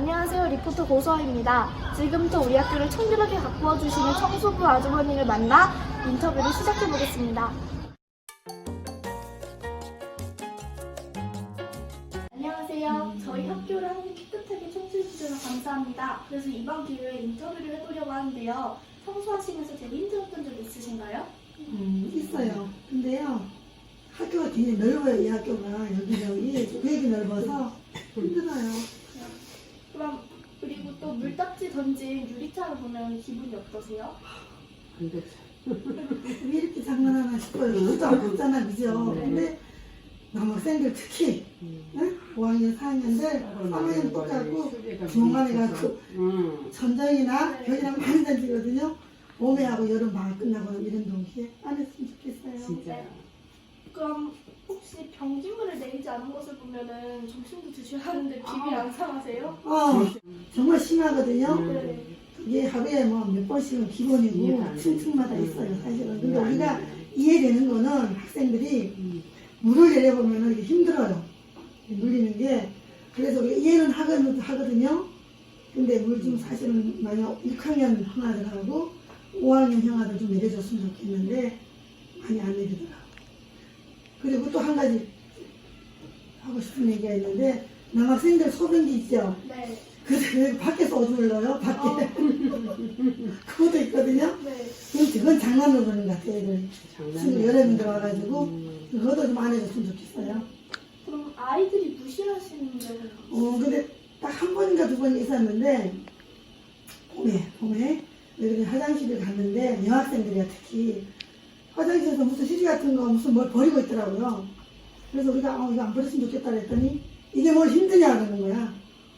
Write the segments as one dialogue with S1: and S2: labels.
S1: 안녕하세요. 리포터 고서아입니다. 지금부터 우리 학교를 청결하게 가꾸어 주시는 청소부 아주머니를 만나 인터뷰를 시작해 보겠습니다. 안녕하세요. 저희 학교를 항상 깨끗하게 청소해 주셔서 감사합니다. 그래서 이번 기회에 인터뷰를 해보려고 하는데요. 청소하시면서 되게 힘들었던 적 있으신가요?
S2: 있어요. 근데요, 학교가 굉장히 넓어요. 이 학교가 여기저기 되게 넓어서 힘들어요.
S1: 그럼 그리고 또 물딱지 던진 유리창을 보면 기분이 어떠세요?
S2: 왜 이렇게 장난하나 싶어요. 진짜 없잖아, 그죠? 근데 남학생들 특히 5학년, 4학년들 3학년 똑같고 중간에 가서 전장이나 벽이랑 많이 던지거든요. 봄에하고 여름 방학 끝나고 이런 동시에 안 했으면 좋겠어요.
S3: 진짜.
S1: 그럼 혹시 변기물을 내리지 않은 것을 보면은 점심도 드셔야 하는데 비비 안 상하세요?
S2: 정말 심하거든요.
S1: 네.
S2: 이게 하루에 뭐 몇 번씩은 기본이고 층층마다 있어요, 사실은. 근데 우리가 이해되는 거는 학생들이 물을 내려보면 이게 힘들어요. 물리는 게. 그래서 우리가 이해는 하거든요. 근데 물 좀 사실은 만약 6학년 형아들하고 5학년 형아들 좀 내려줬으면 좋겠는데 많이 안 내리더라고요. 그리고 또 한 가지 하고 싶은 얘기가 있는데 남학생들 소변기 있죠?
S1: 네.
S2: 그래서 밖에서 오줌을 넣어요, 밖에. 그것도 있거든요.
S1: 네.
S2: 그건 장난으로 그러는 것 같아요, 애들. 친구 여러 명 들어와가지고. 그것도 좀 안 해줬으면 좋겠어요.
S1: 그럼 아이들이 무시하시는 적은
S2: 근데 딱 한 번인가 두 번 있었는데, 봄에, 여기 화장실을 갔는데, 여학생들이야, 특히. 화장실에서 무슨 시리 같은 거, 무슨 뭘 버리고 있더라고요. 그래서 우리가, 이거 안 버렸으면 좋겠다 그랬더니, 이게 뭘 힘드냐, 그러는 거야.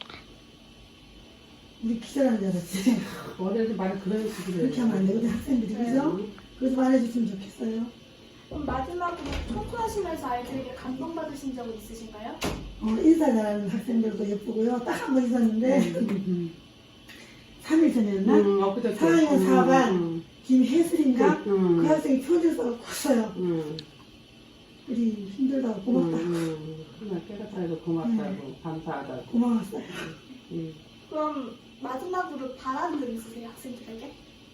S2: 우리 기절하는 줄 알았지.
S3: 어려서 말을 그런 식으로
S2: 그렇게 하면 안 되거든, 학생들이. 그죠? 그래서 말해줬으면 좋겠어요.
S1: 그럼 마지막으로 청소하시면서 아이들에게 감동받으신 적은 있으신가요?
S2: 인사 잘하는 학생들도 예쁘고요. 딱 한 번 있었는데, 3일 전이었나? 4학년 4반 김혜슬인가? 그 학생이 편지를 써서 컸어요. 우리 힘들다고 고맙다.
S3: 정말 깨끗하고 고맙다고 감사하다고.
S2: 고마웠어요.
S1: 그럼 마지막으로 바라는 점 있으세요, 학생들에게?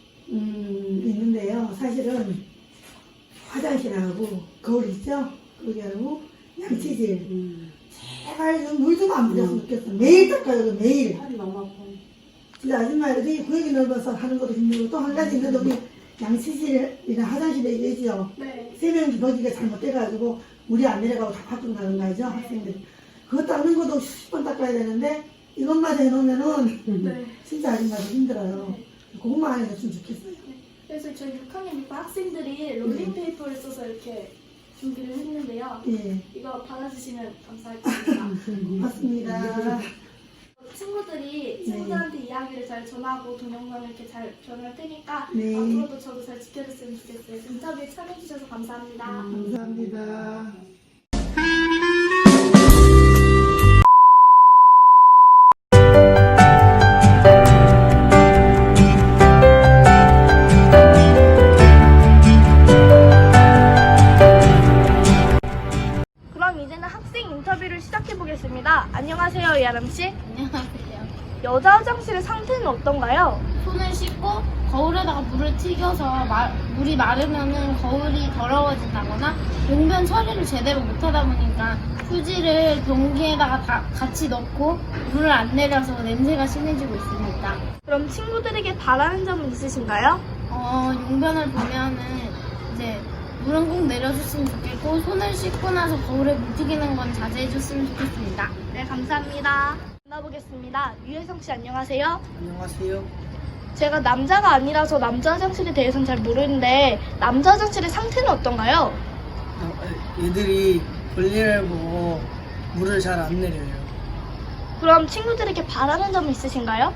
S2: 있는데요. 사실은 화장실하고 거울 있죠? 거기하고 양치질. 제발 물 좀 안 뿌렸으면 좋겠어. 매일 닦아요, 매일.
S3: 팔이 너무 아파.
S2: 근데 아줌마들이 구역이 넓어서 하는 것도 힘들고 또 한 가지 있는데 우리 양치질이나 화장실에 얘기죠.
S1: 네.
S2: 세면기 거기가 잘못돼가지고 물이 안 내려가고 다 밖으로 나는 거 알죠? 학생들. 그거 닦는 것도 10번 닦아야 되는데 이것만 해놓으면은
S1: 네.
S2: 진짜 아줌마들 힘들어요. 그것만 안 해줬으면 좋겠어요.
S1: 그래서 저희 6학년 6반 학생들이 롤링페이퍼를 써서 이렇게 준비를 했는데요.
S2: 예.
S1: 이거 받아주시면 감사하겠습니다.
S2: 고맙습니다.
S1: 친구들이 친구들한테 이야기를 잘 전하고 동영상을 이렇게 잘 전할 테니까
S2: 네.
S1: 앞으로도 저도 잘 지켜줬으면 좋겠어요. 인터뷰에 참여해주셔서 감사합니다.
S2: 감사합니다.
S1: 그럼 이제는 학생 인터뷰를 시작해 보겠습니다. 안녕하세요, 이아람 씨.
S4: 안녕하세요.
S1: 여자 화장실의 상태는 어떤가요?
S4: 손을 씻고 거울에다가 물을 튀겨서 물이 마르면은 거울이 더러워진다거나 용변 처리를 제대로 못하다 보니까 휴지를 변기에다가 다 같이 넣고 물을 안 내려서 냄새가 심해지고 있습니다.
S1: 그럼 친구들에게 바라는 점은 있으신가요?
S4: 용변을 보면은 이제 물은 꼭 내려줬으면 좋겠고 손을 씻고 나서 거울에 물 튀기는 건 자제해줬으면 좋겠습니다.
S1: 네, 감사합니다. 만나보겠습니다. 유혜성 씨 안녕하세요.
S5: 안녕하세요.
S1: 제가 남자가 아니라서 남자 화장실에 대해서는 잘 모르는데 남자 화장실의 상태는 어떤가요?
S5: 얘들이 볼일을 보고 물을 잘 안 내려요.
S1: 그럼 친구들에게 바라는 점은 있으신가요?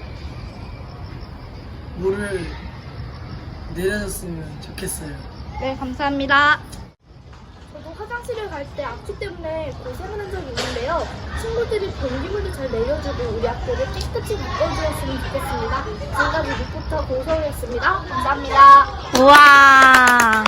S5: 물을 내려줬으면 좋겠어요.
S1: 네, 감사합니다. 저도 화장실을 갈 때 악취 때문에 고생을 한 적이 있는데요. 친구들이 변기물도 잘 내려주고 우리 학교를 깨끗이 바꿔주었으면 좋겠습니다. 지금까지 리포터 고서우였습니다. 감사합니다. 우와.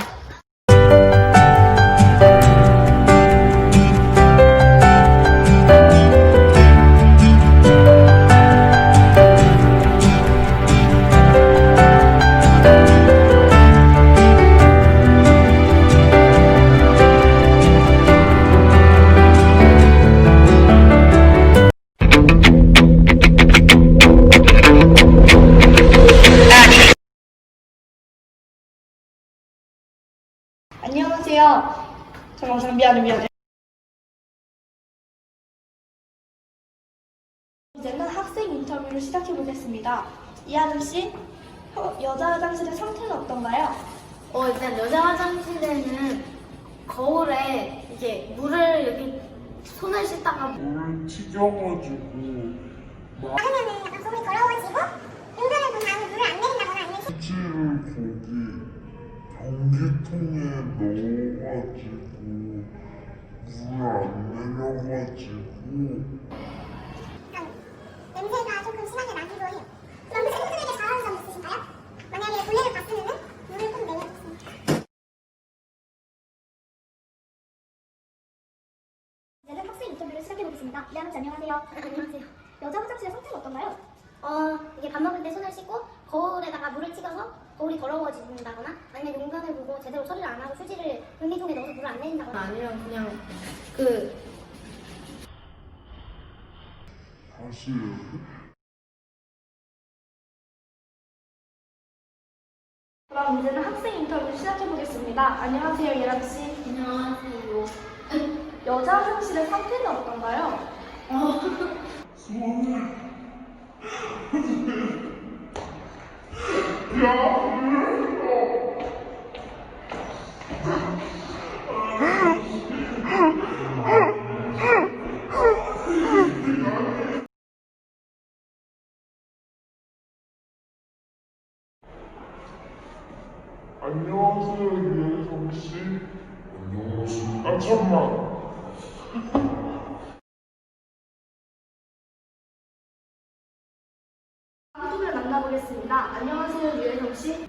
S1: 안녕하세요. 잠깐만, 미안해. 이제는 학생 인터뷰를 시작해 보겠습니다. 이하름 씨, 여자 화장실의 상태는 어떤가요?
S4: 일단 여자 화장실에는 거울에 이제 물을 이렇게 손을 씻다가
S6: 물을 튀겨가지고
S7: 마르면은 약간 거울이 더러워지고 은근을 본 다음에 물을 안 내린다거나 아니면
S6: 휴지를 거기 변기통에 넣어가지고 물을 안 내려가지고
S7: 냄새가 조금 심하게 나기도 해요. 그럼 친구들에게 잘하는 점 있으신가요? 만약에 본래를 봤으면은 물을 꼭 내려줬습니다. 이제는 학생 인터뷰를 시작해보겠습니다. 이하름 씨 안녕하세요. 안녕하세요. 여자 화장실의 상태는 어떤가요?
S8: 이게 밥 먹을 때 손을 씻고 거울에다가 물을 튀겨서 거울이 더러워진다거나 아니면 용변을 보고 제대로 처리를 안 하고 휴지를 변기통에 넣어서 물을 안 내린다거나
S4: 아니면 그냥
S6: 다시
S1: 그럼 이제는 학생 인터뷰 시작해 보겠습니다. 안녕하세요, 이하름 씨.
S4: 안녕하세요.
S1: 여자 화장실의 상태는 어떤가요?
S6: 안녕하세요 유혜성씨. 안녕하세요. 아 잠만.
S1: 다음 분을 만나보겠습니다. 안녕하세요, 유혜성 씨.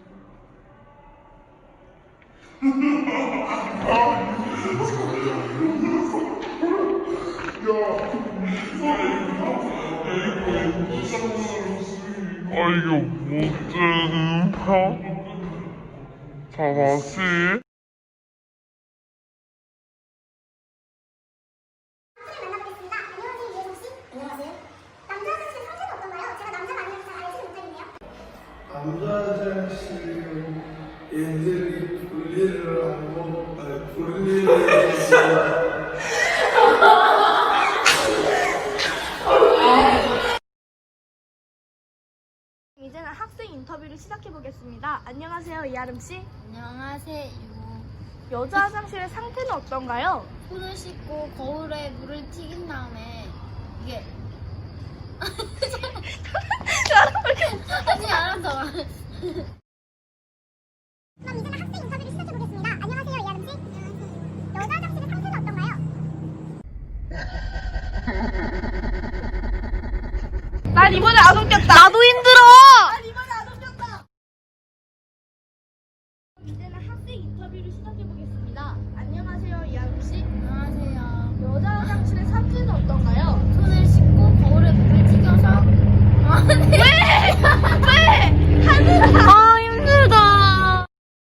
S6: 아 이거 못되는 파? 자 다시.
S7: 만나보겠습니다. 안녕하세요 이혜성 씨. 안녕하세요. 남자 화장실의 상태는 어떤가요? 제가 남자가 아니라서 잘 알지는 못하겠네요.
S5: 남자 화장실은 얘들이 분리를 하고 분리를 해서
S1: 이제는 학생 인터뷰를 시작해 보겠습니다. 안녕하세요, 이하름 씨.
S4: 안녕하세요.
S1: 여자 화장실의 상태는 어떤가요?
S4: 손을 씻고 거울에 물을 튀긴 다음에 이게 아니 알았어.
S7: 그럼 이제는 학생 인터뷰를 시작해보겠습니다. 안녕하세요 이하름 씨. 안녕하세요. 여자 화장실의 상태는 어떤가요?
S1: 난 이번에 안 웃겼다. 나도 힘들어. 난 이번에 안 웃겼다. 이제는 학생 인터뷰를 시작해 보겠습니다. 안녕하세요, 이하름 씨.
S4: 안녕하세요.
S1: 여자 화장실의 상태는 어떤가요?
S4: 손을 씻고 거울에 물을 튀겨서
S1: 아, 힘들다.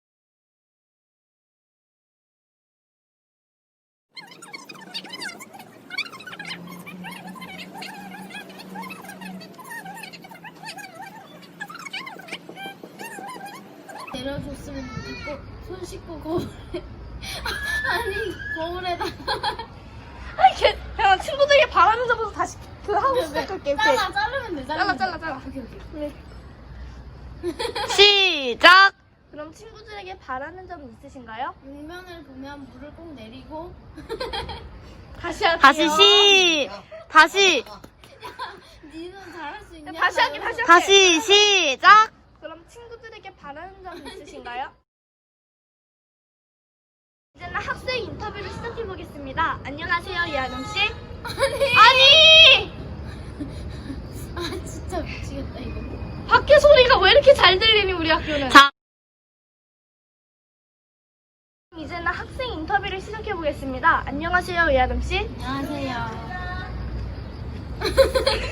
S4: 내려줬으면 좋겠고 손 씻고 거울에 거울에다가
S1: 아이, 그냥 친구들에게 바라는 점부터 다시 하고 시작할게. 오케이.
S4: 자르면 돼.
S1: 잘라.
S4: 오케이.
S1: 시작. 그럼 친구들에게 바라는 점 있으신가요?
S4: 용변을 보면 물을 꼭 내리고
S1: 다시 할게요.
S2: 다시
S4: 니는 잘할 수 있냐?
S1: 다시 할게.
S2: 시작.
S1: 그럼 친구들에게 바라는 점 있으신가요? 이제는 학생 인터뷰를 시작해 보겠습니다. 안녕하세요, 이하름 씨. 아니!
S4: 아 진짜 미치겠다 이거.
S1: 밖에 소리가 왜 이렇게 잘 들리니 우리 학교는? 이제는 학생 인터뷰를 시작해 보겠습니다. 안녕하세요, 이하름 씨.
S4: 안녕하세요.